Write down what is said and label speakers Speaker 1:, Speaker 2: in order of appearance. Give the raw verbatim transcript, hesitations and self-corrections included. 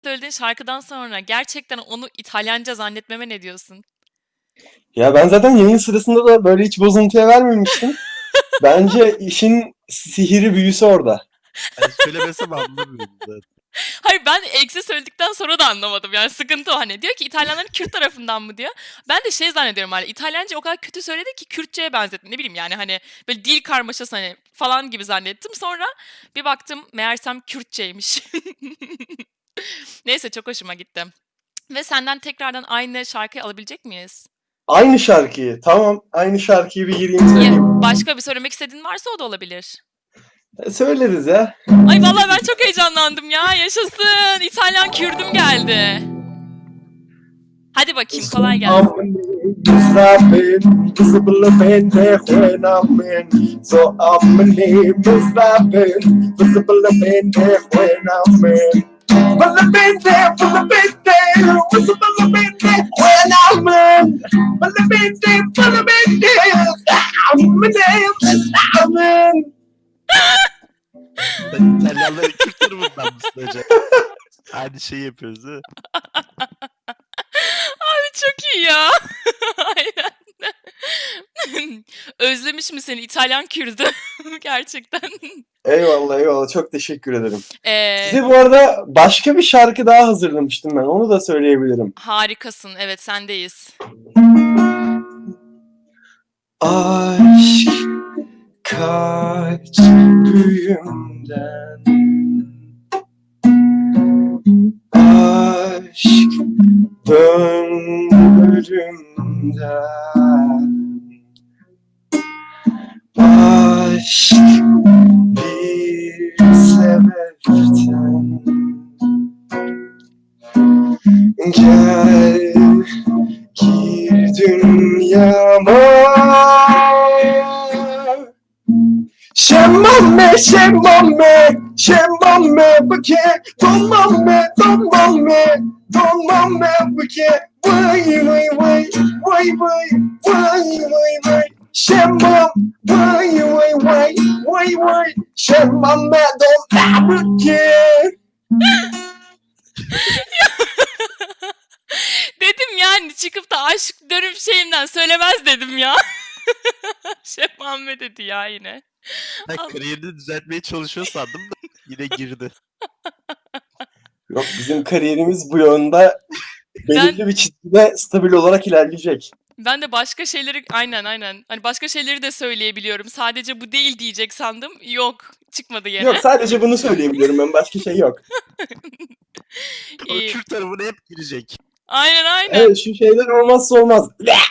Speaker 1: söylediğin şarkıdan sonra gerçekten onu İtalyanca zannetmeme ne diyorsun?
Speaker 2: Ya ben zaten yayın sırasında da böyle hiç bozuntuya vermemiştim. Bence işin sihiri büyüsü orada.
Speaker 3: Hani söylemesem anlamıyorum zaten.
Speaker 1: Hayır, ben eksi söyledikten sonra da anlamadım. Yani sıkıntı o hani. Diyor ki İtalyanların Kürt tarafından mı diyor. Ben de şey zannediyorum hani İtalyanca o kadar kötü söyledi ki Kürtçe'ye benzettim. Ne bileyim yani hani böyle dil karmaşası hani falan gibi zannettim. Sonra bir baktım meğersem Kürtçeymiş. Neyse çok hoşuma gitti. Ve senden tekrardan aynı şarkıyı alabilecek miyiz?
Speaker 2: Aynı şarkıyı. Tamam. Aynı şarkıyı bir gireyim
Speaker 1: Ya,
Speaker 2: söyleyeyim.
Speaker 1: başka bir söylemek istediğin varsa o da olabilir.
Speaker 2: E, Söyleriz ya.
Speaker 1: Ay vallahi ben çok heyecanlandım ya. Yaşasın. İtalyan Kürdüm geldi. Hadi bakayım kolay gelsin.
Speaker 2: Musabin, visible pendejo en amen. So amni musabin, visible pendejo en amen. Visible pendejo, visible pendejo en amen. Visible pendejo, visible amen.
Speaker 3: Sen İtalyanların Kürt tarafından mısın hocam? Aynı şeyi yapıyoruz değil mi?
Speaker 1: Abi çok iyi ya. Aynen. Özlemiş mi seni İtalyan Kürdü? Gerçekten.
Speaker 2: Eyvallah eyvallah, çok teşekkür ederim.
Speaker 1: Ee,
Speaker 2: Size bu arada başka bir şarkı daha hazırlamıştım ben, onu da söyleyebilirim.
Speaker 1: harikasın. Evet sendeyiz.
Speaker 2: Aşk kaç büyümden, aşk döndürümden, aşk bir sebepten. Gel gir dünyama. Şemmame, şemmame, şemmame bıke, donmame, donmame, donmame bıke. Vay vay vay, vay vay, vay vay vay. Şemmam, vay vay vay, vay vay. Şemmame, donmame bıke.
Speaker 1: Dedim yani çıkıp da aşk dönüm şeyimden söylemez dedim ya. Şef Muhammed dedi ya yine.
Speaker 3: Ben
Speaker 1: Allah.
Speaker 3: kariyerini düzeltmeye çalışıyor sandım da yine girdi.
Speaker 2: Yok, bizim kariyerimiz bu yönde belirli bir çizgide stabil olarak ilerleyecek.
Speaker 1: Ben de başka şeyleri aynen aynen. Hani başka şeyleri de söyleyebiliyorum. Sadece bu değil diyecek sandım. Yok, çıkmadı yine.
Speaker 2: Yok, sadece bunu söyleyebiliyorum ben, başka şey yok.
Speaker 3: O
Speaker 1: İyi.
Speaker 3: Kürt tarafına hep girecek.
Speaker 1: Aynen aynen.
Speaker 2: Evet, şu şeyler olmazsa olmaz.